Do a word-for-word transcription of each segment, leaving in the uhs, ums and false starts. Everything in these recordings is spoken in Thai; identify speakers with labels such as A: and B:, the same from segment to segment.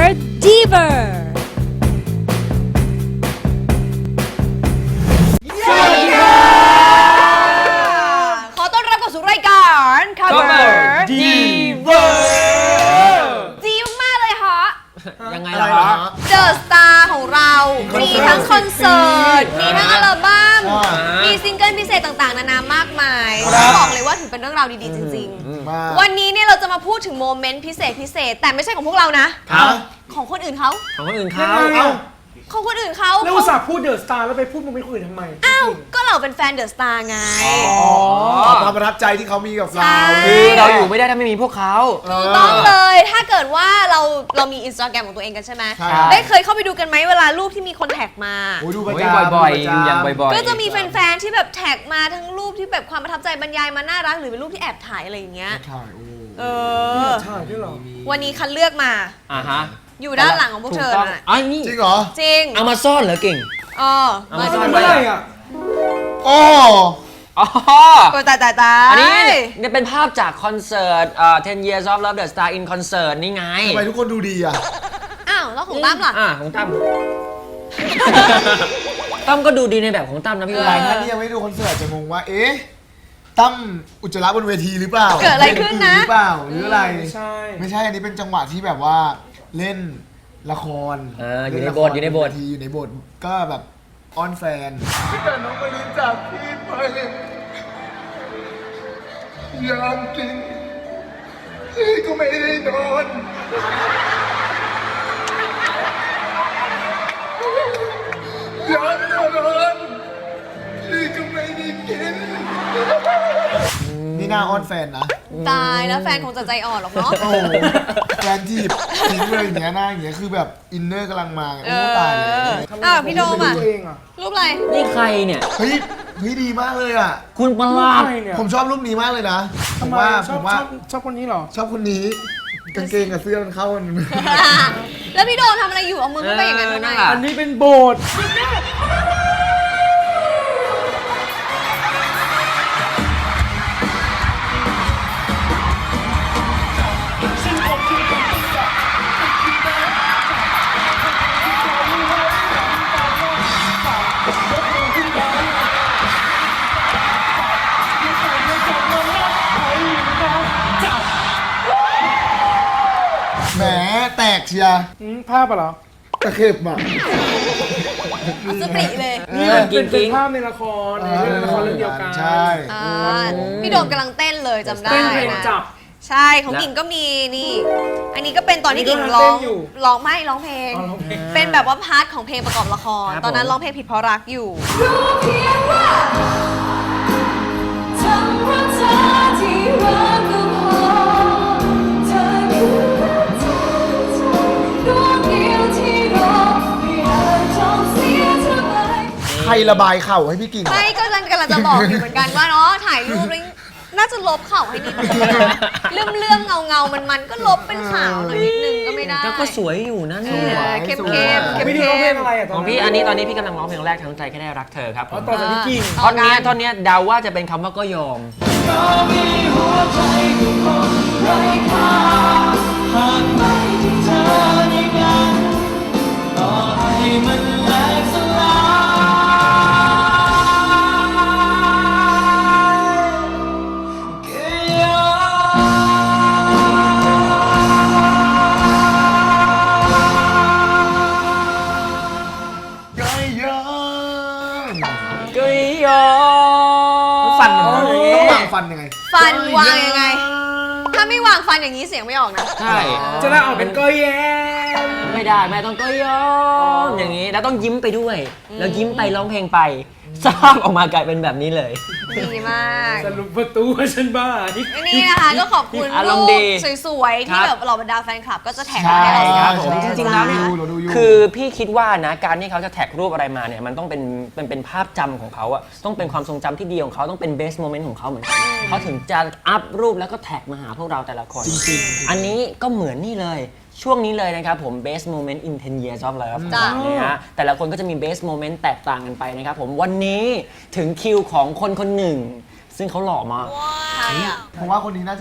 A: Diver
B: สวัสดีค่ะขอต้อนรับเข้าสู่รายการ Cover
C: Diver
B: ดีมากเลยฮะ
C: ยังไง
D: อะไร
C: ล่ะ
D: เหรอ
C: ฮะ
B: เดอะสตาร์ของเรามีทั้งคอนเสิร์ต มีทั้งอัลบั้ม
D: อ่า
B: มีซิงเกิลพิเศษต่างๆ นานามากมายต้องบอกเลยว่าถือเป็นเรื่องราวดีๆ จริง
D: มา
B: ๆ วันนี้เนี่ยเราจะมาพูดถึงโมเมนต์พิเศษพิเศษ แต่ไม่ใช่ของพวกเรานะ
C: ครับ
B: ของคนอื่นเขา
C: ของคนอื่นเขา
D: เอ้า
B: ของคนอื่นเขา
E: แล้วอุตส่าห์พูดเดอะสตาร์แล้วไปพูดมึงไม่คุยทำไม
B: อ้าว ก็เราเป็นแฟนเดอะสตาร์ไง
D: ความประทับใจที่เขามีกับเรา
B: ใช่
C: คือเราอยู่ไม่ได้ถ้าไม่มีพวกเขา
B: ถูกต้องเลย ถ้าเกิดว่าเราเรามีอินสตาแกรมของตัวเองกันใช่ไหม
D: ใช่ครับ
B: ได้เคยเข้าไปดูกันไหมเวลารูปที่มีคนแท็กมา
D: โอ้ยดูประ
C: โอ้ย
D: จำ
C: บ่อยๆ
D: ประ
C: ดู
D: จำ
C: อย่างบ่อยๆ
B: ก็จะมีแฟนๆ ที่แบบแท็กมาทั้งรูปที่แบบความประทับใจบรรยายมาน่ารักหรือเป็นรูปที่แอบถ่ายอะไรอย่างเงี้ย
D: ใช่โอ้
B: เออ
E: ใช่ด้วยเหรอ
B: วันนี้คัดเลือกมา
C: อ่าฮะ
B: อยู่ด้านหลังของพวกเธอ
C: ถูต้ง
B: น่ะ
C: อ๋อนี่
D: จริงเหรอ
B: จริง
C: เอามาซ่อนเหรอเก่ง
B: เออ
C: เอา
B: มา
C: มา
B: ดู
C: ซ่อน
E: เมื่อไหร่อ่ะ
D: โอ้
C: อ๋อ
B: โอ้ยตายตายตาย
C: อันนี้เนี่ยเป็นภาพจากคอนเสิร์ตเอ่อten years of love the star in concert นี่ไง
D: ทำไมทุกคนดูดีอ่ะ
B: อ้าว แล้วของตั้มล่ะ
C: อ่าของตั้ม ตั้มก็ดูดีในแบบของตั้มนะพี่
B: เออ
C: วา
D: หลายท่านที่ยังไม่ดูคอนเสิร์ตจะงงว่า เอ๊ะ ตั้มอุจจาระบนเวทีหรือเปล่า
B: เกิดอะไรขึ้นนะ
D: หรือเปล่า หรืออะไร
E: ไม่ใช่
D: ไม่ใช่ อันนี้เป็นจังหวะที่แบบว่าเล่นละคร
C: เอออยู่ใน
D: เล่ละ
C: บ
D: ค
C: ทอยู่ในบท
D: เวทีอยู่ในบท ก็แบบอ้อนแฟนแต่น้องไม่รู้จักพี่ไปยามกินพี่ก็ไม่ได้นอนยามนอนพี่ก็ไม่ได้กิน นี่น่าอ้อนแฟนนะ
B: ตายแล้วแฟนคงจะใจอ่อนหรอกเนาะ
D: โอ้โหแฟนทีบทิ้งเลยอย่างเงี้ยหน้าอย่างเงี้ยคือแบบอินเนอร์กำลังมา
B: เอ
D: โอ้
B: อ
D: ตายเลย
B: อ้าวพี่โดมอ่ะ
E: ตัวเองอ่ะ
B: รูปอะไร
C: นี่ใครเนี่ย
D: เฮ้ยเฮ้ยดีมากเลยอ่ะ
C: คุณประหลาด
E: ใครเนี่ย
D: ผมชอบรูปนี้มากเลยนะผ
E: ทำ
D: ม
E: ไม
D: ว่า
E: ช
D: ผ
E: อบ
D: มว่า
E: ชอบชอบคนนี้เหรอ
D: ชอบคนนี้กางเกงกับเสื้อมันเข้ากัน
B: แล้วพี่โดมทำอะไรอยู่เอามือเข้าไปอย่างนั้น
C: เออ
B: ทำไม
C: นั่นแหละ
E: อันนี้เป็นโบสถ์
D: แหมแตกเชียร์
E: อืมภาพอะเหรอ
D: ตะเข็บอ่ะ
B: สปริเลย
E: นี่มันเป็น
C: จริ
E: เป็น
C: งๆ
E: ภาพในละครในเรื่องละครเรื่องเดียวกัน
D: ใช่
B: อ่าพี่โดมกำลังเต้นเลยจำได้
E: เต้นเพลง
B: นะ
E: จับ
B: ใช่ของกิ่งก็มีนี่ อันนี้ก็เป็นตอนที่กิ่ง
E: นี่ก็
B: ร้อง
E: เต้นอยู่
B: ร้องไม่ร้องเพลง
E: อ๋อร้องเพลง
B: เป็นแบบว่าพาร์ทของเพลงประกอบละคร
C: ครับ
B: ตอนนั้น
C: ผม
B: ร้องเพลงผิดเพราะรักอยู่
D: ใครระบายเข่าให้พี่กิ่งอะ
B: ไม่ก็กำลังกำลังจะบอกอยู่เหมือนกันว่าเนาะถ่ายรูปแล้วน่าจะลบเข่าให้นิดนึงเลื่อมเลื่อมเงาเงามันมันๆก็ลบเป็นขาวหน่อยนิดนึงก็ไม่ได้
C: ก็สวยอยู่นะ
B: เอ
C: เนี่ย
B: อเข้มเข้มเข้ม
E: ไม่ได้ร้องเพลงอะไรอ่ะต
C: ข
E: อ
C: อน ง
E: นั้น
C: พี่อันนี้ตอนนี้พี่กำลังร้องเพลงแรกทั้งใจแค่ได้รักเธอครับผ
E: อ๋อ
C: ม
E: ต่อจากพี่กิ่ง
C: ท่อนเนี้ยท่อนเนี้ยเดาว่าจะเป็นคำว่าก็ยอม
D: ก็ยอม
C: ก็ยอม
D: ฟันมันต้องวางฟันยังไง
B: ฟันวางยังไง ถ้าไม่วางฟันอย่างนี้เสียงไม่ออกนะ
C: ใช่
E: จะได้ออกเป็นก็แย้ม
C: ไม่ได้แม่ต้องก็ยอมอย่างนี้แล้วต้องยิ้มไปด้วย แล้วยิ้มไปร้องเพลงไปสร้างออกมากลายเป็นแบบนี้เลย
B: ดีมาก
E: สรุปประตูว่าฉันบ้า
B: อันนี้นะคะก็ขอบคุณ
C: อาร
B: รู
C: มณ์
B: ป
C: ดี
B: สวยๆ ที่
C: ครับ
B: แบบเหล่าบรรดาแฟนคลับก็จะแท็ก
C: ใช่
B: มาให้เรา
C: ครับผม
B: ใช่
C: จริงๆแล้วเนี่ย
D: เราดูอยู่
C: คือพี่คิดว่านะการที่เขาจะแท็กรูปอะไรมาเนี่ยมันต้องเป็นเป็นเป็นภาพจำของเขาอะต้องเป็นความทรงจำที่ดีของเขาต้องเป็น best moment ของเขาเหมือนกันเขาถึงจะอัพรูปแล้วก็แท็กมาหาพวกเราแต่ละคน
D: จริงๆ
C: อันนี้ก็เหมือนนี่เลยช่วงนี้เลยนะครับผม best moment in ten years of love
B: จ้ะ
C: นะฮะแต่ละคนก็จะมี best moment แตกต่างกันไปนะครับผมวันนี้ถึงคิวของคนคนหนึ่ง ซึ่งเขาหล่อมาก
B: ใครอ่ะ
D: ผมว่าคนนี้น่าจะ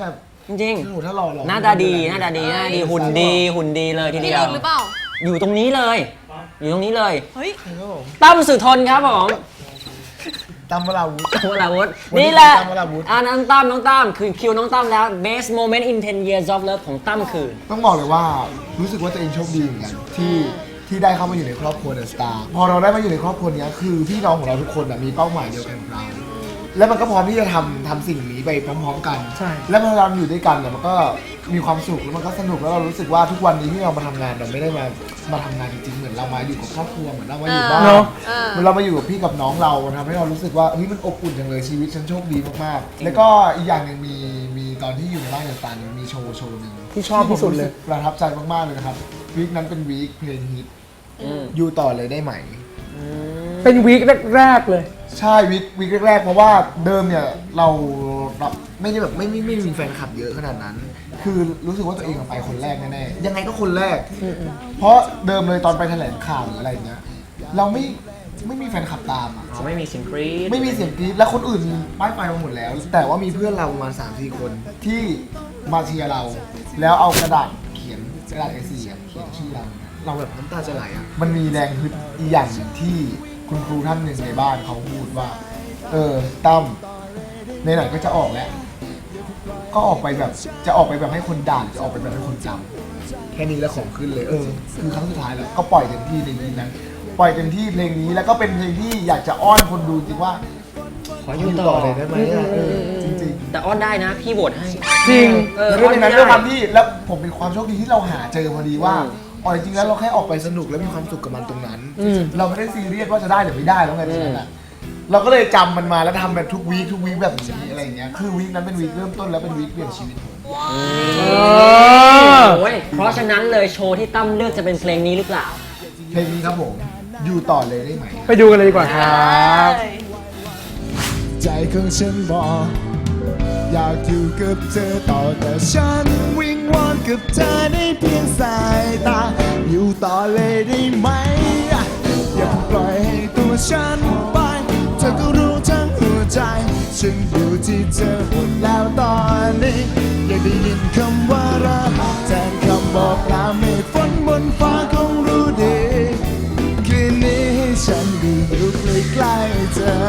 C: จริง
D: โอ้โหถ้าหล่อหล่อ
C: ๆหน้าตาดีหน้าตาดีหน้าตาดีหุ่นดีหุ่นดีเลยที
B: พี่
C: เดียว
B: ลุ้นหรือเปล่า
C: อยู่ตรงนี้เลย อยู่ตรงนี้เลย
B: เฮ้ย
C: ตั้มสุทนครับผม
D: ตามเวลาวุฒิ
C: ตั้มวราวุธ
D: วันนี้
C: นี่แหละ
D: ตั้มวราวุธ
C: อ่าน้องตั้มน้องตั้มคือคิวน้องตั้มแล้ว best moment in ten years of love ของตั้มคือ
D: ต้องบอกเลยว่ารู้สึกว่าตัวเองโชคดีเหมือนกันที่ที่ได้เข้ามาอยู่ในครอบครัวเดอะสตาร์พอเราได้มาอยู่ในครอบครัวเนี้ยคือพี่น้องของเราทุกคนอะมีเป้าหมายเดียวกันกับเรา แล้วมันก็พร้อมที่จะทำทำสิ่งนี้ไปพร้อมๆกัน
E: ใช่
D: แล้วเมื่อเราอยู่ด้วยกันเนี่ยมันก็มีความสุขแล้วมันก็สนุกแล้วเรารู้สึกว่าทุกวันนี้ที่เรามาทำงานเราไม่ได้มามาทำงานจริงๆเหมือนเรามาอยู่กับครอบครัวเหมือนเรามาอยู่บ้าน
E: เนอะ
D: เหมือนเรามาอยู่กับพี่กับน้องเรามันทำให้เรารู้สึกว่าเฮ้ยมันอบอุ่นจังเลยชีวิตฉันโชคดีมากๆ แล้วก็อีกอย่างหนึ่งมีมีตอนที่อยู่ในบ้านเดอะสตาร์มีโชว์โชว์หนึ่ง
E: ที่ชอบที่สุดเลย
D: ผมรู้สึกประทับใจมากๆเลยนะครับวีคนั้นเป็นวีคเพลงฮิต
C: อืม
D: อยู่ต่อเลยได้ไหม
E: เป็นวีคแรกๆเลย
D: ใช่วีควีคแรกๆเพราะว่าเดิมเนี่ยเราเราไม่ได้แบบไม่ไม่ไม่มีแฟนคลับเยอะขนาดนั้น คือรู้สึกว่าตัวเองอะไปคนแรกแน่ๆยังไงก็คนแรก เพราะเดิมเลยตอนไปแถลงข่าวหรืออะไรเงี้ยเราไม่ไม่มีแฟนคลับตามอ่ะ
C: เขาไม่มีเสียงกรี๊ด
D: ไม่มีเสียงกรี๊ดและคนอื่นมีป้ายไฟมาหมดแล้ว แต่ว่ามีเพื่อนเราประมาณสามสี่คนที่มาเชียร์เรา แล้วเอากระดาษเขียนกระดาษ เอ สี่ อะเขียนชื่อเราเราแบบน้ำตาจะไหลอ่ะมันมีแรงฮึดอีกอย่างหนึ่งที่คุณครูท่านหนึ่งในบ้านเขาพูดว่า เออตั้มในไหนๆก็จะออกแล้ว ก็ออกไปแบบจะออกไปแบบให้คนด่าจะออกไปแบบให้คนจำแค่นี้แล้วของขึ้นเลยเออคือครั้งสุดท้ายแล้วก็ปล่อยเต็มที่ในนี้นั้นปล่อยเต็มที่เพลงนี้แล้วก็เป็นเพลงที่อยากจะอ้อนคนดูจริงว่า
C: ขออยู่ต่อ
D: เลยได้ไหมอะเออจริง
C: แต่อ้อนได้นะ พี่โหวตให้
E: จริง
C: เอ
D: ๆ
C: อ
D: แล้วด้วยในนั้น
C: อ้
D: ด้
C: อ
D: วย
C: ไ
D: ความที่แล้วผมเป็นความโชคดีที่เราหาเจอพอดีว่า
C: อืม
D: อ๋อจริงๆแล้วเราแค่ออกไปสนุกแล้วมีความสุขกับมันตรงนั้น
E: อืม
D: เราไม่ได้ซีเรียสว่าจะได้หรือไม่ได้แล้วไงตรงนั้นอะเราก็เลยจำมันมาแล้วทำแบบทุกวีคทุกวีคแบบนี้อะไรอย่างเงี้ยคือวีคนั้นเป็นวีคเริ่มต้นแล้วเป็นวีคเปลี่ยนชีวิตผม
E: เออ
C: โอ้ยเพราะฉะนั้นเลยโชว์ที่ตั้มเลือกจะเป็นเพลงนี้หรือเปล่า
D: เพลงนี้ครับผมอยู่ต่อเลยได้ไหม
E: ไปดูกันเลยดีกว่าครับ
D: ใจของฉันบอกอยากอยู่กับเธอต่อแต่ฉันวิงวอนกับเธอได้เพียงสายตาอยู่ต่อเลยได้ไหมอย่าปล่อยให้ตัวฉันไปเธอก็รู้ทั้งหัวใจฉันอยู่ที่เธอหมดแล้วตอนนี้อยากได้ยินคำว่ารักแทนคำบอกลาเมฆฝนบนฟ้าคงรู้ดีคืนนี้ให้ฉันได้อยู่ใกล้ๆเธอ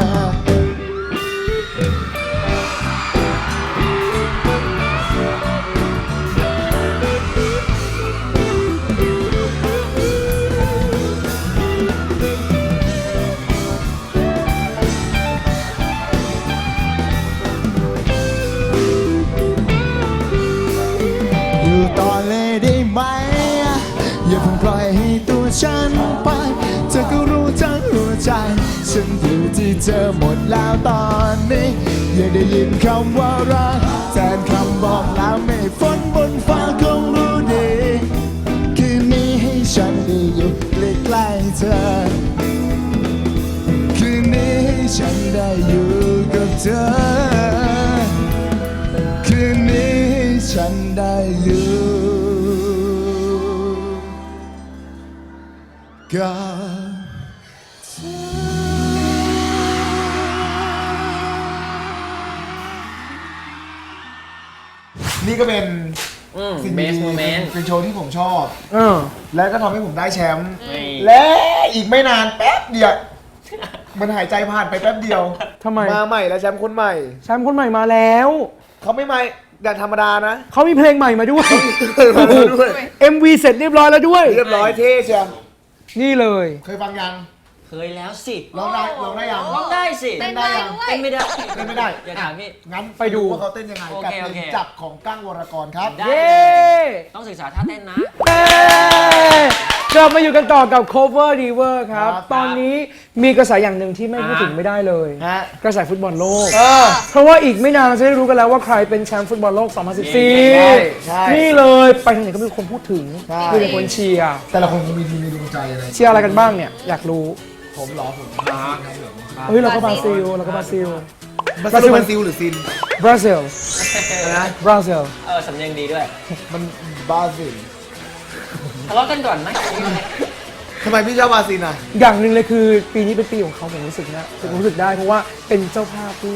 D: อยู่ต่อเลยได้ไหมอย่าเพิ่งปล่อยให้ตัวฉันไปเธอก็รู้ทั้งหัวใจฉันอยู่ที่เธอหมดแล้วตอนนี้อยากได้ยินคำว่ารักแทนคำบอกลาเมฆฝนบนฟ้าคงรู้ดีคืนนี้ให้ฉันได้อยู่ใกล้ๆเธอคืนนี้ให้ฉันได้อยู่กับเธอคืนนี้ให้ฉันได้อยู่กับเธอนี่ก็เป็น
C: อืม
D: สิ่ง
C: best
D: ดีๆ
C: moment
D: เป็นโชว์ที่ผมชอบ
E: เออ
D: และก็ทำให้ผมได้แชมป์
C: นี่
D: และอีกไม่นานแป๊บเดียว มันหายใจผ่านไปแป๊บเดียว
E: ทำไม
D: มาใหม่แล้วแชมป์คนใหม่
E: แชมป์คนใหม่มาแล้ว
D: เขาไม่มาอย่างธรรมดานะ
E: เขามีเพลงใหม่มาด้วย
D: มาด้วย
E: เอ็ม วี เสร็จเรียบร้อยแล้วด้วย
D: เรียบร้อยเท่เชียว
E: นี่เลย
D: เคยฟังยัง
C: เคยแล้วสิ
D: ร้องได้ร้องได้ยัง
C: ร้องได้สิ
B: เต้นได้ด้วย
C: เต้นไม่ได้
D: เต้นไม่ได้
C: อย่าถามพี่
D: งั้น
E: ไปดู
D: ว่าเขาเต้นยังไง
C: โอ
D: กับ
C: เค
D: เพ
C: โอ
D: ล
C: เค
D: งจับของกั้งวรกรครับ
C: ได้
E: เย้
C: ต้องศึกษาท่าเต้นนะ
E: เย้กลับมาอยู่กันต่อกับ cover diver ครับ
D: ครับ
E: ตอนนี้มีกระแสอย่างหนึ่งที่ไม่พูดถึงไม่ได้เลย
D: ฮะ
E: กระแสฟุตบอลโลก
D: เออ
E: เพราะว่าอีกไม่นานเราจะได้รู้กันแล้วว่าใครเป็นแชมป์ฟุตบอลโลก สองพันสิบสี่
D: ใช่ใช่
E: นี่เลยไปทางไหนก็มีคนพูดถึง
D: ใช่
E: มีแต่คนเชียร์
D: แต่ละคนมีทีมมีดวงใจอะไร
E: เชียร์อะไรกันบ้างเนี่ย อยากรู้
D: ผมเหรอผมครับผม
E: เฮ้ยเราก็บราซิลเราก็บราซิล
D: บราซิลบราซิลหรือซิน
E: บราซิล
D: นะ
E: บราซิล
C: เออสำเนียงดีด้วย
D: มันบราซิล
C: ทะเลาะกันก่อนไหม
D: ทำไมพี่ชอบบราซิลอ่ะ
E: อย่างหนึ่งเลยคือปีนี้เป็นปีของเขาผมรู้สึกนะผมรู้สึกได้เพราะว่าเป็นเจ้าภาพด้วย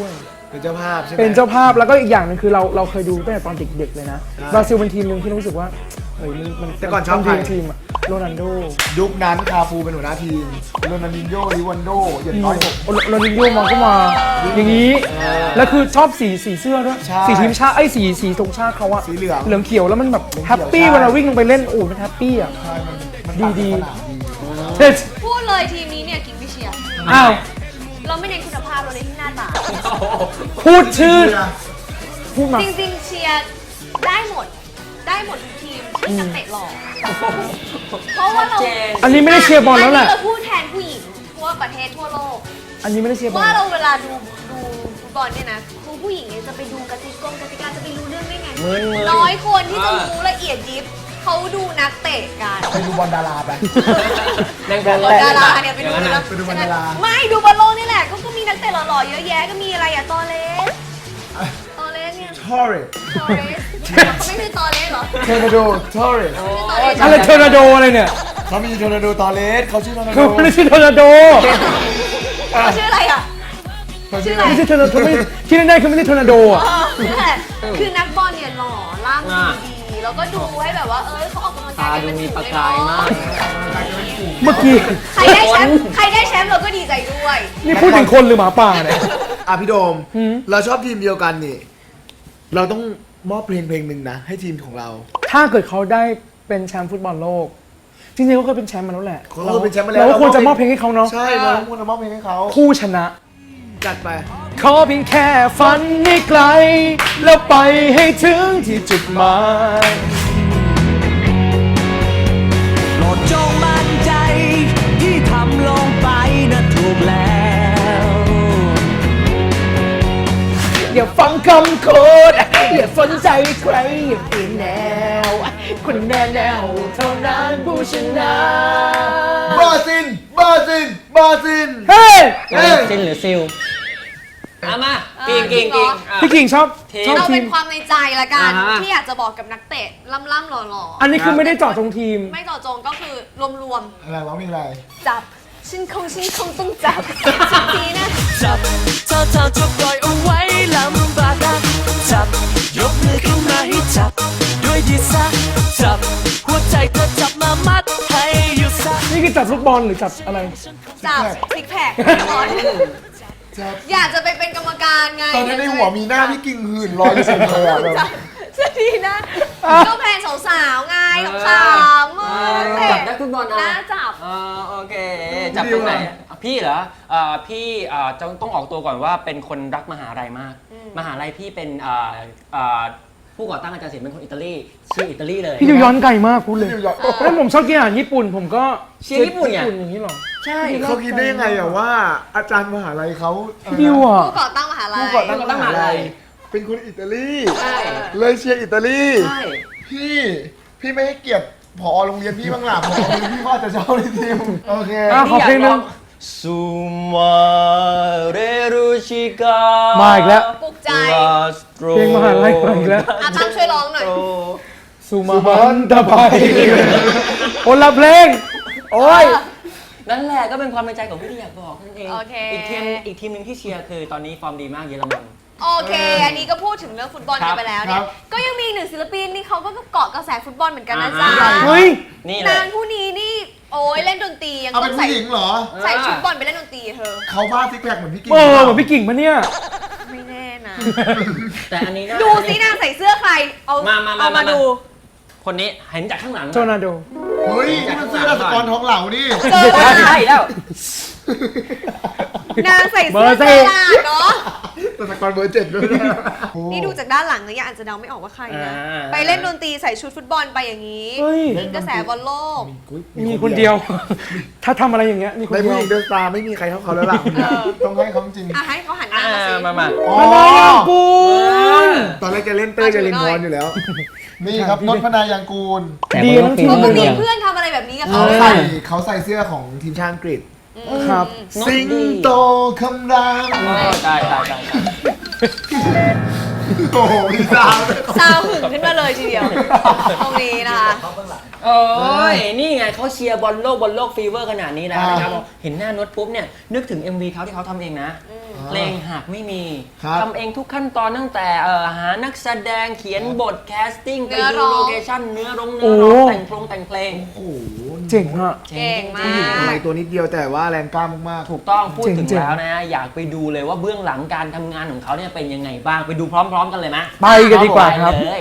D: เป็นเจ้าภาพใช่ไหม
E: เป็นเจ้าภาพแล้วก็อีกอย่างหนึงคือเราเราเคยดูตั้งแต่ตอนเด็กๆเลยนะบราซิลเป็นทีมหนึ่งที่รู้สึกว่าเฮ้ยมันมัน
D: แต่ก่อนชอบ
E: มั
D: ใคร
E: ทีมทีมอะโรนัลโด
D: ยุคนั้นคาฟูเป็นหัวหน้าทีมโรนัลดินโญ่ริวันโดอย่างน้อยหก
E: โรโรนัลโดมาก็มาอย่างนี้แล้วคือชอบสีสีเสื้อด้วย
D: ใช่
E: สีทีมชาติไอ้ยสีสีธงชาติเขาอะ
D: สีเหลือง
E: เหลืองเขียวแล้วมันแบบ
D: เหลืองเขียว
E: แฮปปี้
D: ใช่
E: เวลาวิ่งลงไปเล่นโอ้ยมันแฮปปี้อะ
D: ใช่มันมัน
E: ดีดี
D: ตัสนามดี
E: เฮ้ย
B: พูดเลยทีมนี้เนี่ยกิ๊กไม่เชียร์
E: อ้าว
B: เราไม่เน้นคุณภาพเราเน้นที่หน้าตา
E: พูดชื่อพูดมา
B: จริงๆเชียร์ได้หมด ได้หมดทุกทีมที่นักเตะหล่อเพราะว่าเรา
E: อันนี้ไม่ได้เชียร์บอลแล้วแหละ
B: นนี้เราพูดแทนผู้หญิงทั่วประเทศทั่วโลก
E: อันนี้ไม่ได้เชียร์บอล
B: ว่าเราเวลาดูดูฟุตบอลเนี่ยนะคือผู้หญิงเนี่ยจะไปดูกติกงกติกาจะไปรู้เรื่องได้ไง
C: มึนๆ
B: น้อยคนที่จะ
C: อ่า
B: รู้ละเอียดยิบเขาดูนักเตะกัน
D: ไปดูบอลดาราไป
C: แรงบอล
B: บอลดาราเนี่ยไปดู
C: อย่าง
B: นะ
C: นั้นนะ
D: ไปดูบอลดารา
B: ไม่ดูบอลโลกนี่แหละก็ก็มีนักเตะหล่อๆเยอะแยะก็มีอะไรอะตอเลสตอเลสเนี่ย
D: ทอร์เรส
B: ตอเลสเขาไม่คือตอเลสเหรอ
D: เทอร์นาโดทอร์เรส
E: อะไรเทอร์นาโดอะไรเนี่ย
D: เขามีเทอร์นาโดตอเลสเขาชื่อเทอร์นาโด
E: เขาไม่ได้ชื่อเทอร์นาโด
B: เขาชื่ออะไรอ่ะ
D: เขาชื่ออะไร
E: ไม่ใช่เทอร์นาโดไม่ที่แน่ๆคือไม่ใช่เทอร์นาโดอ่ะ
B: เออนั่นแหละคือนักบอลเนี่ยหล่อร่างดีๆแล้วก็ดูให้แบบว่าเออเขาออกกำลังกา
C: ตาย
B: กัน
C: ดู
B: เป็น
C: มี
B: ฝูง
C: ประ
B: เลย
C: กายมาก
E: เมื่อกี้
B: ใครได้แชมป์ใครได้แชมป์เราก็ดีใจด้วย
E: นี่พูดถึงคนหรือหมาป่าเนี่ย
D: อ่ะพี่โดม
E: หืม
D: เราชอบทีมเดียวกันนี่ เราต้องมอบเพลงเพลงหนึ่งนะ ให้ทีมของเรา
E: ถ้าเกิดเขาได้เป็นแชมป์ฟุตบอลโลก จริงๆเขาเคยเป็นแชมป์มาแล้วแหละ
D: เขาเคยเป็นแชมป์มาแล้ว
E: เราก็ควรจะมอบเพลงให้เขาเนาะ
D: ใช่เราควรจะมอบเพลงให้เขา
E: ผู้ชนะ
D: จัดไป
E: ขอเพียงแค่ฝันให้ไกล แล้วไปให้ถึงที่จุดหมาย
A: โปรดจงมั่นใจที่ทำลงไปนะถูกแล้ว
E: อย่าฟังคำโคดอย่าสนใจใครอย่าเปลี่ยนแนว คนแน่แนวเท่านั้นผู้ชนะ
D: บราซิลบราซิลบราซิล
E: เฮ้ย
D: เอ้ย
C: ซินหรือซิลเอามากิ่งกิ่งกิ่งอ่ะ
E: พี่กิ่งชอบ
C: ทีม
E: ชอบ
B: เรา
E: ที
B: เป็
E: ม
B: นความในใจละกัน
C: อ่าฮะ
B: ที่อยากจะบอกกับนักเตะล่ำๆหล่อ
E: อันนี้คือไม่ได้เจาะจงทีม
B: ๆไม่เจาะจงก็คือรวม
D: อะไรวะมีอะไร
B: ๆจับฉันคงฉันคงต้องจับสักทีนะ
A: จับเธอเธอจะปล่อยเอาไว้ลำบากนักจับยกมือขึ้นมาให้จับ ด้วยดีซะจับ หัวใจเธอจับมามัดให้อยู่ซะ
E: นี่คือจับลูกบอลหรือจับอะไร
B: จับซิกแพคบอล
D: จับ
B: อยากจะไปเป็นกรรมการไง
D: ตอนนี้ในหัวมีหน้าพี่กิ่งหื่นลอยอยู่เสมออะแบบ
B: จับสักทีนะก็แพนสาวๆไงขำๆเออ
C: จับได้ฟุตบอล
B: น่า
C: อ่ะ
B: จับ
C: อ่าโอเค จับตรงไหนอ่ะพี่เหรออ่าพี่อ่าจะต้องออกตัวก่อนว่าเป็นคนรักมหาลัยมาก มหาลัยพี่เป็นอ่าอ่าผู้ก่อตั้งอาจารย์ศิลป์เป็นคนอิตาลีชื่ออิตาลีเลย
E: พี่ดูย้อนไกลมากพูดเลย
D: นิวยอร์ก
E: แล้วผมชอบกินอาหารญี่ปุ่น ผมก็
C: เชียร์ญี่ปุ่นไง
E: ญี่ปุ่นอย่างนี้หรอ
C: ใช่
D: เขาคิดได้ยังไงอะว่า อาจารย์มหาลัยเขาเอ่อ
E: พี่ดิวอ่ะ
B: ผู้ก่อตั้งมหาลัย
D: ผู้ก่อตั้งมหาลัยเป็นคนอิตาลี
C: ใช่
D: เลยเชียร์อิตาลี
C: ใช่
D: พี่พี่ไม่ให้เกียรติผอโรงเรียนพี่บ้างหล่ะผอโรงเรียนพี่ก็อาจจะชอบในทีมโอเค
E: อ่ะขอเพลงหนึ่ง
C: ซูมาเรรุชิกา
E: มาอีกแล้ว
B: ปลุกใจ
E: เพลงมหาลัยมาอีกแล้ว
B: อาตั้มช่วยร้องหน่อย
E: สุมาหันตะไบคนละเพลง โอ้ย
C: นั่นแหละก็เป็นความในใจของพี่ที่อยากบอกนั่นเอง
B: โอเค
C: อีกทีมอีกทีมหนึ่งที่เชียร์คือตอนนี้ฟอร์มดีมากเยอรมัน
B: โอเค อันนี้ก็พูดถึงเรื่องฟุตบอล
C: ครั
B: กับ นไปแล้วเนี่ย ก็ยังมีอีกหนึ่งศิลปินที่เขาก็เกาะกระแสฟุตบอลเหมือนกันนะจ๊ะ
C: อ่า
E: เฮ้ย
C: นี่แห
B: นา
C: ละ
B: งผู้นี้นี่ โอ้ยเล่นดนตรียัง
D: เอา
B: ต้
D: เป็
B: อน ง
D: ผู้
B: ใส่
D: หญิงเหรอ
B: ใส่ชุดบอลไปเล่นดนตรีเธอ
D: เขาบ้าซิกแพคเหมือนพี่กิ่ง
E: เออเหมือนพี่กิ่งปะเนี่ย
B: ไม่แน่นะ
C: แต่อันนี้นะ
B: ดูสินางใส่เสื้อใคร เอา
C: มามามา
B: เอามา
C: มา
B: ดู
C: คนนี้เห็นจากข้างหลัง
E: โจนาโด
D: เฮ้ยนี่มันเสื้อสกรทองเหล่านี่
B: เจอ
C: ใช่
B: แล้ว
C: ใช่แล้ว
B: นางใส่เสื้อ
E: เบอร์
B: ต
E: สี่
B: ลาดเนาะ
D: แต่สกรเบอร์เจ็ดด้วยนะโอ้
B: นี่ดูจากด้านหลังเนี่ยยังอาจจะเดาไม่ออกว่าใครนะ ไปเล่นดนตรีใส่ชุดฟุตบอลไปอย่างนี้
E: เฮ้ย
B: มีกระแสบอลโลก
E: มีคนเดียว ถ้าทำอะไรอย่างเงี้ยมีคน
D: ใน
E: เดี
D: ผู้
E: ยว
D: หญิงเดอะสตาร์ไม่มีใครเท่าเขาแล้วล่ะต้องให้เขาจริง
B: อ่ะให้เขาหันห
C: อ่า
B: น้ามาสิ
C: มามา
D: อ๋อ
E: มานายางกูล
D: ตอนแรกจะเล่นเต้ยจะเล่นพรอยู่แล้ว นี่ครับนนท์พนายางกูล
E: ดีทั้งทีม
B: เขา
E: เล
B: ก็
E: ย
B: มี
E: เนี่ย
B: เพื่อนทำอะไรแบบนี้กับ
D: เขา
B: เขาด้วย
D: ใส่
B: นะ
D: เขาใส่เสื้อของทีมชาติอังกฤษ
E: ครับ
D: สิงโตคำราม
C: อ๋อใช่ใช่ใช่ใช่
D: โอ้โหพี่สาว
B: ซาวหึงขึ้นมาเลยทีเดียว ตรงนี้นะคะ
C: โอ้ยนี่ไงเขาเชียร์บอลโลกบอลโลกฟีเวอร์ขนาดนี้แล้วนะครับเห็นหน้าโน้ตปุ๊บเนี่ยนึกถึง เอ็ม วีเขาที่เขาทำเองนะเพลงหากไม่มี
D: ครับ
C: ทำเองทุกขั้นตอนตั้งแต่เอ่อหานักแสดงเขียนบทแคสติ้งไป
B: เนื้อ
C: ดู
B: ร้อง
C: โลเคชั่นเนื้อร้องเนื้อร้องแต่งเพลงแต่งเพลง
D: โอ้โห
E: เจ๋งอะ
B: เก่งมา
D: ผู้หญิงอะไร
B: ก
D: ตัวนิดเดียวแต่ว่าแรงกล้ามาก
C: ถูกต้องพูดถึง
E: เจ๋งๆ
C: แล้วนะ อยากไปดูเลยว่าเบื้องหลังการทำงานของเขาเนี่ยเป็นยังไงบ้างไปดูพร้อม ๆ กันเลยไหม
E: ไปกันดีกว่าครับ
C: ไปเลย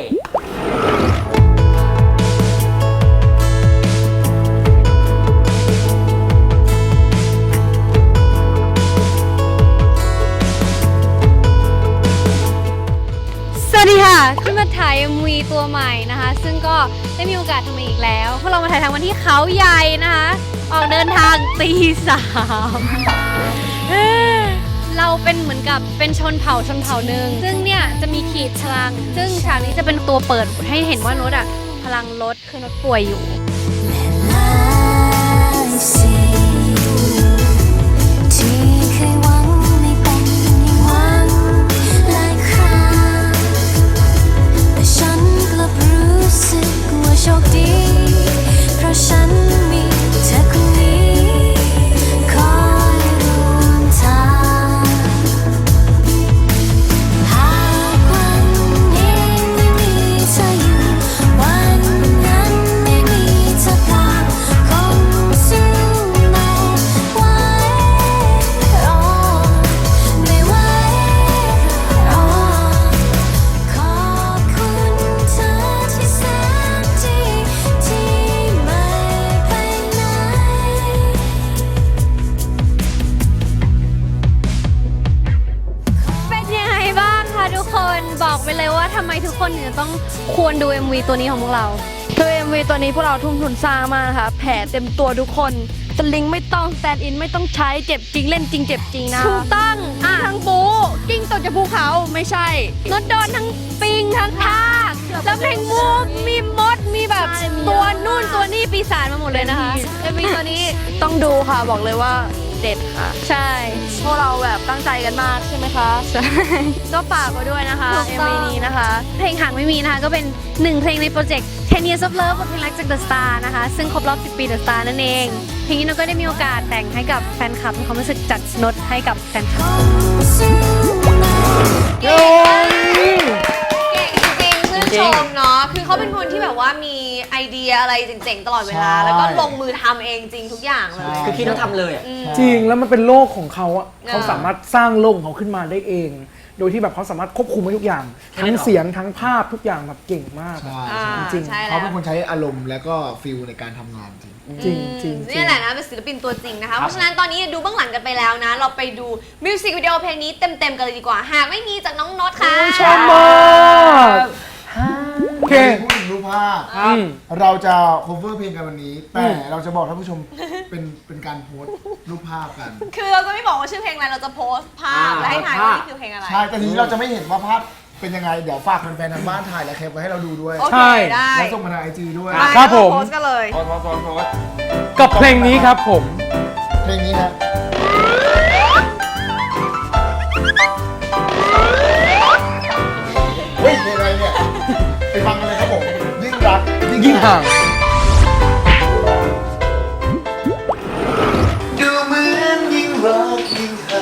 B: สวัสดีค่ะขึ้นมาถ่าย เอ็ม วี ตัวใหม่นะคะ ซึ่งก็ได้มีโอกาสทำมาอีกแล้วพวกเรามาถ่ายทำวันที่เขาใหญ่นะคะ ออกเดินทางตีสามเอ้อเราเป็นเหมือนกับเป็นชนเผ่าชนเผ่าหนึ่งซึ่งเนี่ยจะมีขีดพลัง ซึ่งฉากนี้จะเป็นตัวเปิดให้เห็นว่าโน้ตอะพลังลดคือโน้ตป่วยอยู่
F: ที่เคยหวังไม่เป็นอย่างหวังหลายครั้งแต่ฉันกลับรู้สึกว่าโชคดีเพราะฉันมีเธอคนนี้คอยร่วมทางหากวันนี้ไม่มีเธออยู่วันนั้นไม่มีเธอกลับคงสู้ไม่ไหวรอไม่ไหวรอขอบคุณเธอที่แสนดีที่ไม่ไปไหน
B: เป็นยังไงบ้างคะทุกคนบอกไปเลยว่าทำไมทุกคนถึงจะต้องควรดู เอ็ม วี ตัวนี้ของพวกเรา
G: คือ เอ็ม วี ตัวนี้พวกเราทุ่มทุนสร้างมากนะคะแผลเต็มตัวทุกคนสลิงไม่ต้องสแตนด์อินไม่ต้องใช้เจ็บจริงเล่นจริงเจ็บจริงนะ
B: ถูกต้อง
G: มีทั้งบูกิ้งตกจากภูเขาไม่ใช่
B: รถโดนทั้งปิงทั้งทากแล้วเพลงมูฟมีมดมีแบบ
G: ใช่มี
B: ตัว
G: เยอะมาก
B: นู่นตัวนี่ปีศาจมาหมดเลยนะคะ
G: เอ็ม วี ตัวนี้ต้องดูค่ะบอกเลยว่าเด็ดค่ะ
B: ใช่
G: พวกเราแบบตั้งใจกันมากใช่ไหมคะใช่ก็ฝากไว้ด้วยนะคะ
B: ถูก
G: เอ็ม
B: ต้อง
G: วี นี้นะคะ
B: เพลงหางไม่มีนะคะ ก็เป็นหนึ่งเพลงในโปรเจกต์ ten years of love บทเพลงรักจาก The Star นะคะ ซึ่งครบรอบสิบปี The Star นั่นเอง เพลงนี้เราก็ได้มีโอกาสแต่งให้กับแฟนคลับมีความรู้สึกจัดโน้ตให้กับแฟนคลับ เก่งเก่งจริงๆชื่นชมเนาะ คือเขาเป็นคนที่แบบว่ามีไอเดียอะไรเจ๋งๆ ตลอดเวลา
D: ใช่
B: แล้วก็ลงมือทำเองจริงทุกอย่างเลย
C: คือคิดแล้วทำเลยอะ
B: อืม
E: จริงแล้วมันเป็นโลกของเขาอะ
B: เออ
E: เขาสามารถสร้างโลกของเขาขึ้นมาได้เอง โดยที่แบบเขาสามารถควบคุมได้ทุกอย่าง
C: แค่นั้
E: ทั้
C: น
E: ง
C: เหรอ
E: เสียงทั้งภาพทุกอย่างแบบเก่งมาก
D: ๆ ใช่
B: อ่า
E: จริง
B: ใช่แล้
D: เขา
B: ว
D: เป็นคนใช้อารมณ์แล้วก็ฟิลในการทำงานจริง
E: จริงจริงจริ
B: นี่
E: ง
B: แหละนะเป็นศิลปินตัวจริงนะคะ เพราะฉะนั้นตอนนี้ดูเบื้องหลังกันไปแล้วนะ เราไปดูมิวสิกวิดีโอเพลงนี้เต็มๆกันเลยดีกว่า หากไม่มีจากน้องโน็อตค่ะ
E: ชอบมากโอเค
D: พูดถึงรูปภาพ
E: อืม
D: เราจะ cover เพลงกันวันนี้ แต่เราจะบอกท่านผู้ชมเป็นเป็นการโพสต์รูปภาพกัน
B: คือเราจะไม่บอกว่าชื่อเพลงอะไร เราจะโพสต์ภาพ และให้ถ่ายว่านี่คือเพลงอะไร
D: ใช่ แต่ทีนี้เราจะไม่เห็นว่าภาพเป็นยังไง เดี๋ยวฝากแฟนๆทางบ้านถ่ายและแคปไว้ให้เราดูด้วย
B: โอ
E: ใช่
B: เค ได้
D: แล้วส่งมาทางไอจีด้วย
B: ไป
E: ครับผม
B: โพสต์กันเลย
C: โพสต์โพสต์โพสต์โพสต์
E: กับเพลงนี้ครับผม
D: เพลงนี้ฮะเฮ้ยเพลงอะไรเนี่ย ไปฟังกันเลยครับผม ยิ่งรัก
E: ยิ่งห่าง
D: ดูเหมือนยิ่งรักยิ่งห่าง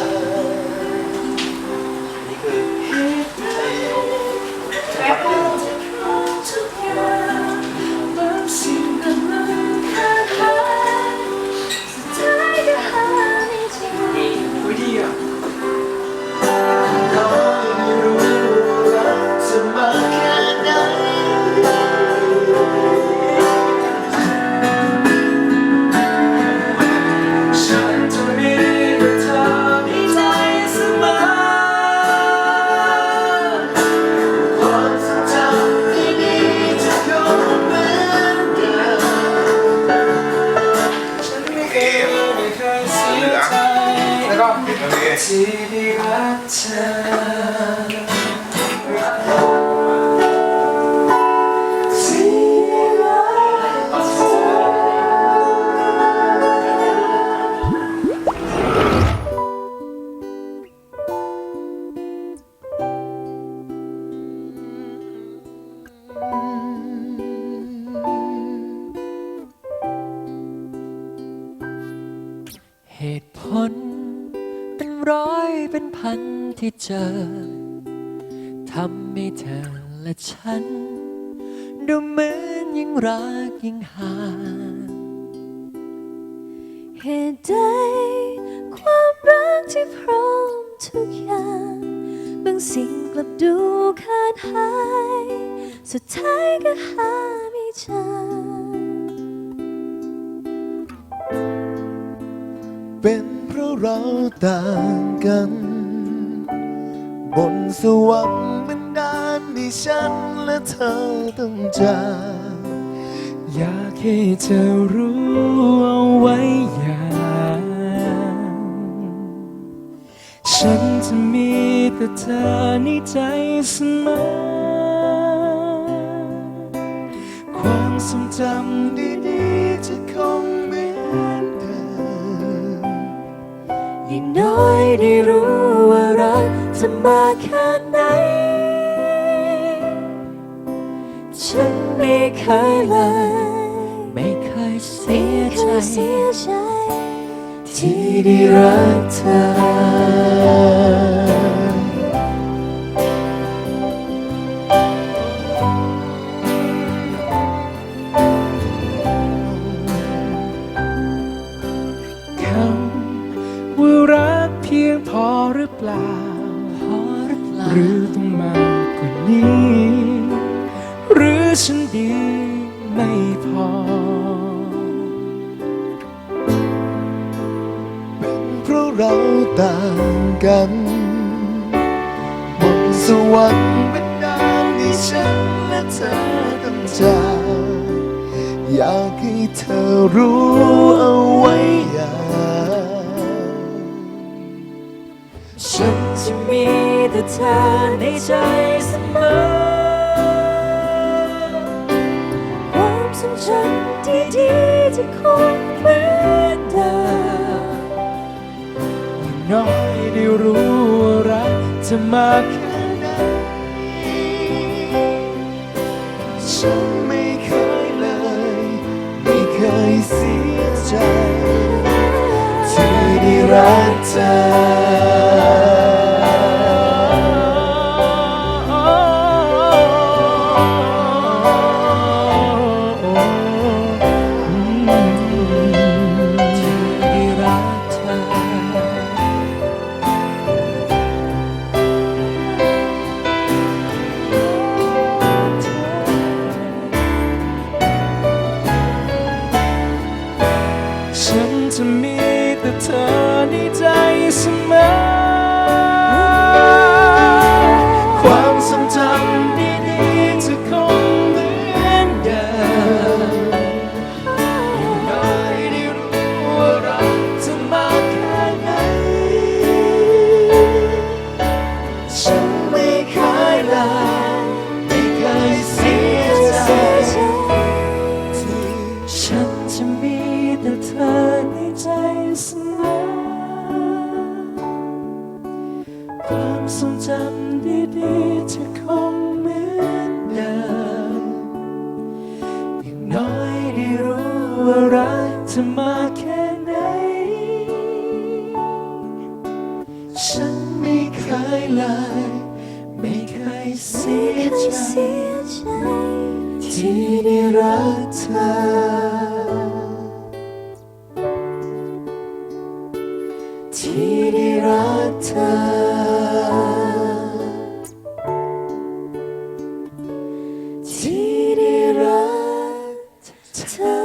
D: จะมาแค่ไหนฉันจะมีแต่เธอในใจเสมอความทรงจำดีๆจะคงเหมือนเดิมฉันไม่เคยไม่เคยเสียใจแล้วก็ที่ได้รักเธอ
A: เหตุผลเป็นร้อยเป็นพันที่เจอทำให้เธอและฉันดูเหมือนยิ่งรักยิ่งห่าง
F: เหตุใดความรักที่พร้อมทุกอย่างบางสิ่งกลับดูขาดหายสุดท้ายก็หาไม่เจอ
D: เป็นเพราะเราต่างกันบนสวรรค์มันนานที่ฉันและเธอต้องจากอยากให้เธอรู้เอาไว้อย่างฉันจะมีแต่เธอในใจเสมอความทรงจำดีๆจะคงเหมือนเดิมยิ่งน้อยได้รู้ว่ารักจะมาแค่ไหนฉันไม่เคยเลย
A: ไม่เคยเสียใจ
F: เสียใจ
D: ที่ได้รักเธอคำว่ารักเพียงพอหรือเปล่า
A: พอหรือเปล่า
D: หรือต้องมากกว่านี้ หรือฉันดีไม่พอ เป็นเพราะเราต่างกันบนสวรรค์บันดาลให้ฉันและเธอต้องจากอยากให้เธอรู้เอาไว้อย่างฉันจะมีแต่เธอในใจเสมอ
F: ความทรงจำดีๆจะคงเหมือนเดิม
D: น้อยได้รู้ว่ารักจะมาแค่ไหนฉันไม่เคยเลยไม่เคยเสียใจที่ได้รักเธฉันจะมีแต่เธอในใจเสมอความทรงจำดีๆจะคงเหมือนเดิมอย่างน้อยได้รู้ว่ารักจะมากแค่ไหนฉันไม่เคยเลยไม่เคยเสียใจฉันจะมีแต่เธอในใจเสมอความทรงจำดีๆจะคงเหมือนเดิมอย่างน้อยได้รู้ว่ารักจะมาแค่ไหนฉันไม่เคยเลยไม่เคยเสียใจที่ได้รักเธอที่ได้รักเธอที่ได้รักเธอ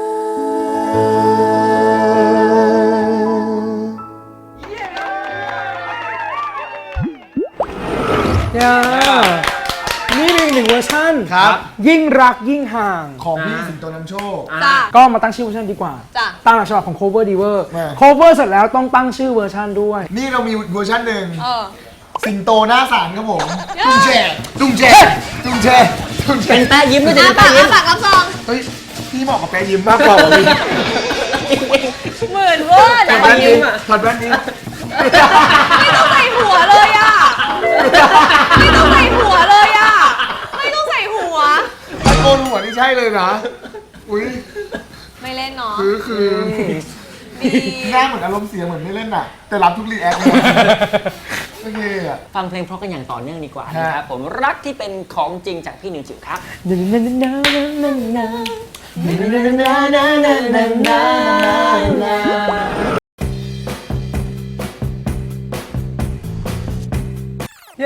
E: ย่านี่เป็นอีกหนึ่งเวอร์ชัน
D: ครับ
E: ยิ่งรักยิ่งห่าง
D: ของพี่สิงโตนำโชค
B: จ้ะ
E: ก็มาตั้งชื่อเวอร์ชันดีกว่า
B: จ้ะ
E: ตามหลักฉบับของ cover diver
D: มา
E: cover เสร็จแล้วต้องตั้งชื่อเวอร์ชันด้วย
D: นี่เรามีเวอร์ชันหนึ่ง
B: เออ
D: สิงโตหน้าศาลครับผมตุ้งแช่ตุ้งแช่ตุ้งแช่ตุ้งแช่
C: เป็นแป้ยิ้มด้วย
B: อา
C: จะ
B: ปา
C: เป็น
B: ก
C: แป้
B: อา
C: ยิ้ม
B: ปากรับซอง
D: เฮ้ยพี่เหมาะกับแปรยิ้มมากกว่าพี่
B: หมื่นเวอร์
D: ถอ
B: นะ
D: ดแว่นนี้ถอดแว่นนี้
B: ไม่ต้องใส่หัวเลยอ่ะ ไม่ต้องใส่หัวเลยอ่ะ ไม่ต้องใส่หัว
D: ตะโกนหัวนี่ใช่เลยนะอุ้ย
B: ไม่เล่นเนาะ
D: คือคือ
B: ดี
D: หน้าเหมือนอารมณ์เสียเหมือนไม่เล่นน่ะ แต่รับทุกรีแอคเลยโอเคอ่ะ
C: ฟังเพลงเพราะกันอย่างต่อเนื่องดีกว่านะครับผมรักที่เป็นของจริงจากพี่นิวจิ๋วครับ
E: เย้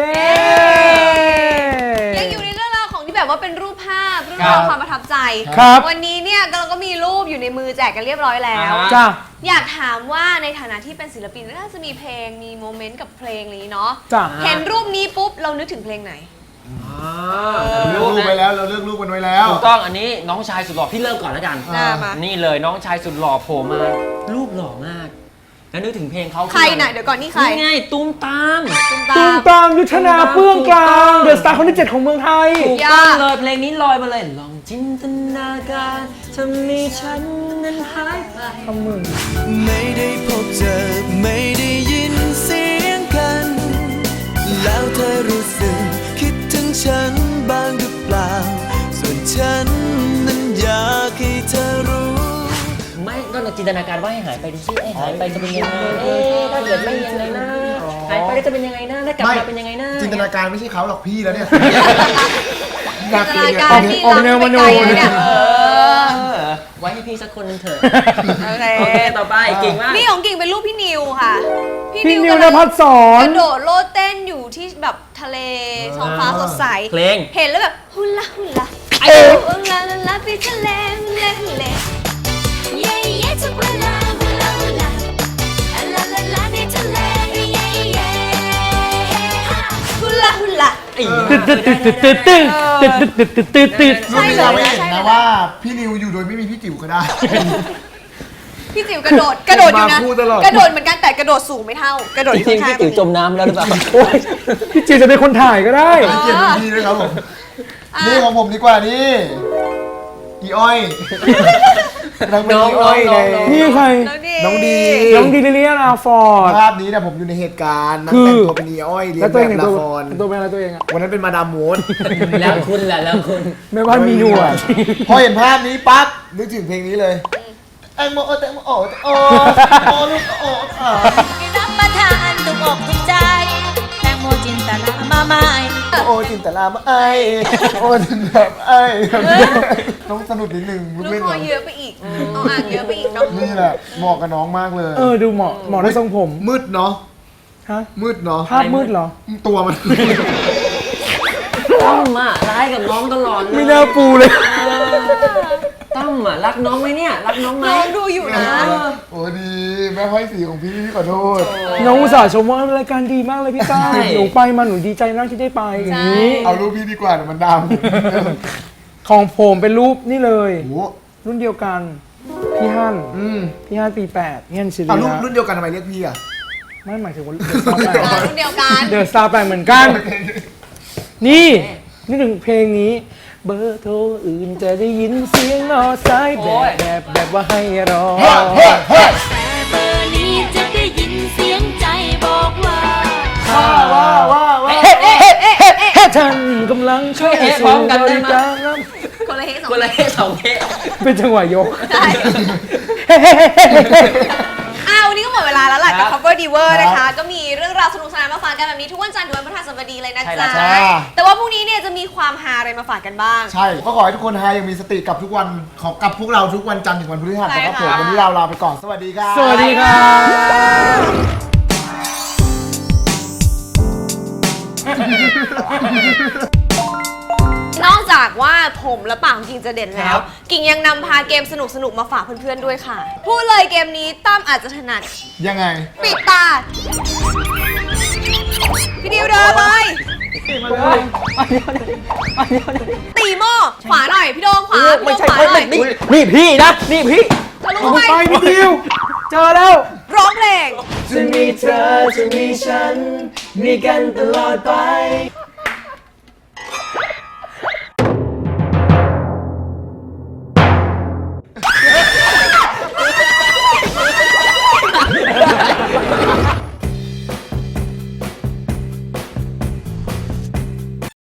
B: ยังอยู่ในเรื่องราวของที่แบบว่าเป็นรูปภาพเรื่องราวความประทับใจ
E: ครับ
B: วันนี้เนี่ยเราก็มีรูปอยู่ในมือแจกกันเรียบร้อยแล้ว
C: อ่าฮะ
E: จ้า
B: อยากถามว่าในฐานะที่เป็นศิลปินน่าจะมีเพลงมีโมเมนต์กับเพลงนี้เนาะ
E: จ้า
B: เห็นรูปนี้ปุ๊บเรานึกถึงเพลงไหน
D: เลือกรูปไปแล้วเราเลือกรูปกันไว้แล้ว
C: ถูกต้องอันนี้น้องชายสุดหล่อพี่เริ่มก่อนแล้วกัน
B: อ่ามา
C: นี่เลยน้องชายสุดหล่อโผล่มารูปหล่อมาก แล้วนึกถึงเพลงเขา
B: ใครน่ะเดี๋ยวก่อนนี่ใคร
C: นี่ไงตุ้มตาม
B: ตุ้ม
E: ตุ้
B: ตาม ม
E: ตามยุทธนาเปื้องกลางเดอะสตาร์คนที่เจ็ดของเมืองไทย
C: ถูกต้องเลยเพลงนี้ลอยมาเลยลองจินตนาการจะมีฉันนั้นหายไป
E: ทำมือ
A: ไม่ได้พบเจอไม่ได้ยินเสียงกัน แล้วเธอรู้สึกคิดถึงฉันบ้างหรือเปล่า ส่วนฉันนั้นอยากให้เธอรู้
C: ไม่ก็จินตนาการว่าให้หายไปดิสิเอ้ยหายไปจะเป็นยังไงเอ๊ะถ้าเกิดไม่ยังไงนะหายไปแล้วจะเป็นยังไงนะถ้ากลับมาเป็นยังไงนะ
D: จินตนาการไม่ใช่เขาหรอกพี่แล้วเนี่ย
B: จินตนาการที่
E: ออกแนวมโน
B: ไปไกลเนี่ยเออ
C: เออไว้ให้พี่สักคนหนึงเถอะ
B: โอเค
C: โอเคต่อไปเก่งมาก
B: นี่ของกิ่งเป็นรูปพี่นิวค่ะ
E: พี่นิว
B: กำ
E: น
B: ลัง
E: ภัสสอก น
B: ระโดดโลดเต้นอยู่ที่แบบทะเลท้องฟ้าสดใส
C: เพลง
B: เห็นแล้วแบบฮุลาฮุลา
E: เอ๊ะ
B: ฮุลาลาลาไปทะเลฮุลาฮุลา
F: เย้เย้ทุกเวลาเวลาเวลาลาลาลาในทะเลเย้เย้ฮ่า
B: ฮุลาฮุลา
E: ตึ๊ดตึ๊ดตึ๊ดตึ๊ดตึ๊ดตึ๊ดตึ๊ดตึ๊ดตึ๊ดตึ๊ด
D: รูปนี้เราไม่เห็นนะว่าพี่นิวอยู่โดยไม่มีพี่จิ๋วก็ได้
B: พี่จิ๋วกระโดดกระโดดอยู่นะ
D: มาคู่ตลอด
B: กระโดดเหมือนกันแต่กระโดดสูงไม่เท่ากระโดด
C: จ
B: อยู่
C: ริงๆ
B: ข้า
C: พี่
B: งๆ
C: ติ๋วจมน้ำแล้วหรือเปล่า
E: โอ๊ยพี่จิ๋วจะเป็นคนถ่ายก็ได้
D: ให้เกียรติรุ่นพี่ด้วยครับผมนี่ของผมดีกว่านี่อีอ้อยนางเป็นอีอ้อยใน
E: นี่ใคร
B: น้องดี
D: น้องดี
E: น้องดีลิเลียนาฟอร์ด
D: ภาพนี้เนี่ยผมอยู่ในเหตุการณ์นั่ง
E: คือ
D: แต่งตัวเป็นอีอ้อยเรีย
E: แล้ว
D: น
E: ตัว
D: แบ
E: เอง
D: บ
E: เห็น
D: ละ
E: ตัว
D: คร
E: ตัวเป็นอะไรตัวเองอะ
D: วันนั้นเป็นมาดามโมด
C: แล้วคุณแหละแล้วคุณ
E: แม่บ้านมีหนวด
D: พอเห็นภาพนี้ปั๊บนึกถึงเพลงนี้เลยแตงโมแตงโมโอ้โอ้โอ้ลูกโอ้อ่า
F: รับประทานถูกอกถูกใจแตงโมจินตลามาใหม่
D: โอ้จินตลามาไอโอ้จินตลามาไอต้องสนุกนิดนึงลูก
B: ลูก
D: เล่น
B: คอ
D: เนาะ
B: เยอะไปอีกเอาอ่างเยอะไปอีกเนาะ
D: นี่แหละเหมาะกับน้องมากเลย
E: เออดูเหมาะเหมาะด้วยทรงผม
D: มืดเนาะ
E: ฮะ
D: มืดเนาะ
E: ภาพมืดเหรอ
D: ตัวมัน
C: ตั้มอ่ะร้ายกับน้องตลอดเลย
E: ไม่น่าปูเลย
C: ตั้มอ่ะรักน้องไหมเนี่ยรักน้องไหม
B: น้องดูอยู่นะ
D: โอ้ดีแม่ห้อยสีของพี่พี่ขอโทษ
E: น้องอุตส่าห์ชมว่ารายการดีมากเลยพี่ต้าหนูไปมาหนูดีใจมากที่ได้ไปอย่างนี้
D: เอารูปพี่ดีกว่าเดี๋ยวมันดำ
E: ของผมเป็นรูปนี่เลย
D: โอ้โห
E: รุ่นเดียวกัน พี่ฮั่น
D: อืม
E: พี่ฮั่นปีแปดพี่ฮั่นชิลี
D: เอารุ่น
E: นะ
D: รุ่นเดียวกันทำไมเรียกพี่อ่ะ
E: ไม่หมายถึงว่าเดอะสตาร์แปด
B: อ่ารุ่นเดียวกัน
E: เดอะสตาร์แปดเหมือนกัน นี่นี่ถึงเพลงนี้ เบอร์โทรอื่นจะได้ยินเสียงรอสายแบบแบบแบบว่าให้รอ
F: แต่เบอร์นี้จะได้ยินเสียงใจบอกว่า
D: ว้าว้าว้าว้า
E: ถ้าท่านกำลังเข้าสู่บริการ
B: คนละเฮสอง
C: คนละเฮสองเฮ
E: เป็นจังหวะยก
B: ใช่อ้าววันนี้ก็หมดเวลาแล้วล่ะกับ Cover Diver นะคะ ก็มีเรื่องราวสนุกสนานมาฝากกันแบบนี้ทุกวันจันทร์ถึงวันพฤหัสบดีเลยนะจ๊ะ แต่ว่าพรุ่งนี้เนี่ยจะมีความฮาอะไรมาฝากกันบ้าง
D: ใช่ก็ขอให้ทุกคนฮายังมีสติกับทุกวันขอกับพวกเราทุกวันจันทร์ถึงวันพฤหัสนะครับผม
B: ใช่ค่ะ
D: วันนี้เราลาไปก่อนสวัสดีครับ
E: สวัสดีครับ
B: นอกจากว่าผมและปากของกิ่งจะเด่นแล้ว กิ่งยังนำพาเกมสนุกๆมาฝากเพื่อนๆด้วยค่ะ พูดเลยเกมนี้ตั้มอาจจะถนัด
D: ยังไง
B: ปิดตา พี่ดิวเดินเลย ตีหม้อขวาหน่อยพี่โดมขวาพี่โดมขวาหน่อย
C: นี่พี่นะนี่พี่
B: ทะลุ
E: ไป
B: ไป
E: นิดเดียวเจอแล้ว
B: ร้องเพลง
E: จะมีเธอจะมีฉัน มีกันตลอดไป